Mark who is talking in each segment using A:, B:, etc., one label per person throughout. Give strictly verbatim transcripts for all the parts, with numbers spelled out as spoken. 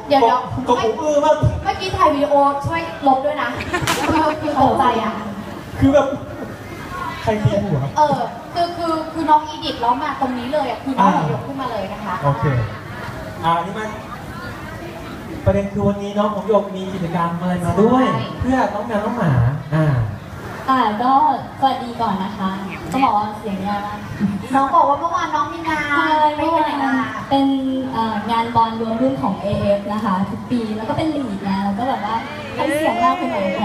A: เดี๋ยวเดี๋ยว
B: ก็ผมอื้อมาก
A: เมื่อกี้ถ่ายวีดีโอช่วยลบด้วยนะคือตกใจอ่ะ
B: คือแบบใครทีหัวครับ
A: เออคือคือคือน้องอีดิทแล้วมาตรงนี้เลยอ่ะคือน้องยกขึ้นมาเลยนะคะ
B: โอเคอ่านี่มันประเด็นคือวันนี้น้องของโยกมีกิจกรรมอะไรมาด้วยเพื่อน้องแมวน้องหมาอ่า
C: อ่าก็สวัสดีก่อนนะคะต้องบอกว่าเสียงยากมาก
A: น้องบอกว่าเมื่อวานน้องมีงาน
C: ไม่ไปไหนมาเป็นงานบอลรวมรุ่นของ เอ เอฟ นะคะทุกปีแล้วก็เป็นลีดนะแล้วก็แบบว่าให้เสียงยากไปหน่อยแก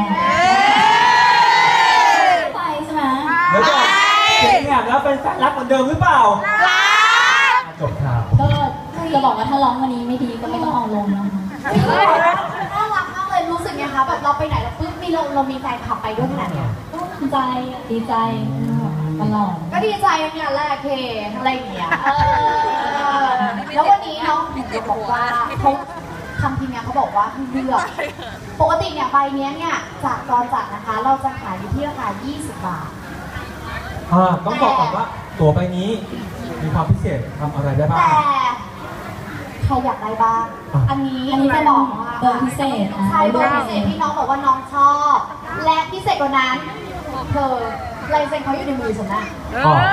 C: ไปใช่ไหม
B: แล้วก็เสียงแหบแล้วเป็นแฟนรักเหมือนเดิมหรือเปล่าจบข่าว
C: ก็จะบอกว่าถ้าร้องวันนี้ไม่ดีก็ไม่ต้องเอาลงนะคะ
A: น่ารักมากเลยรู้สึกไงคะแบบเราไปไหนเราปึ๊บมีเราเรามีแฟนขับไปด้วยขนาดเนี้ย
C: ก็ดีใจดีใจตลอด
A: ก็ดีใจเนี่ยแหละเคอะไรอย่างเงี้ยแล้ววันนี้น้องถึงจะบอกว่าเขาทำทีมงานเขาบอกว่าให้เลือกปกติเนี่ยใบนี้เนี่ยจากตอนจัดนะคะเราจะขายอยู่ที่ราคายี่สิบบาท
B: อ่าต้องบอกก่อนว่าตั๋วใบนี้มีความพิเศษทำอะไรได้บ้าง
A: แต่ใครอยากได้บ้างอันนี้
C: อันนี้จะบอกว่าเบอร์พิเศษ
A: ใช่เบอร์พิเศษที่น้องบอกว่าน้องชอบและพิเศษกว่านั้นเธอลายเซ็นเขาอยู่ในมือฉันนะ
B: อ๋อ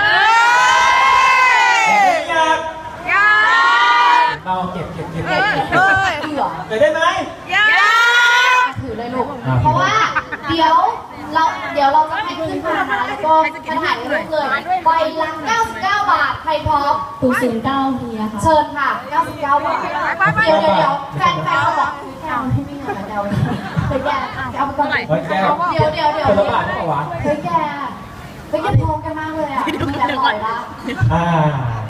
B: อยากอยากเราเก็บเก็บเก็บเก็บเก็บ
A: ถือเหรอ
B: ไปได้ไหม
A: อยากถือเลยลูกเพราะว่าเดี๋ยวเราเดี๋ยวเราจะให้ขึ้นมานะแล้วก็จะถ่ายรูปเลยใบละเก้าสิบเก้าบาทใครพร้อม
C: ศูนย์ศูนย์เก้าทีอะค่ะ
A: เชิญค่ะเก้าสิบเก้าบาทเดี๋ยวเดี๋ยวแฟนแฟนเขาบอกแก้วไม่มีเงินแล้วเคยแก้แก้วไปก่อนเดี๋ยวเดี๋ยวเดี๋ยว
B: คนละบาทเท่ากับวะ
A: เคยแก้เฮ้ยยังพร้อมกันมากเลยอ่ะมีแต่ต่อยละ
B: อ่า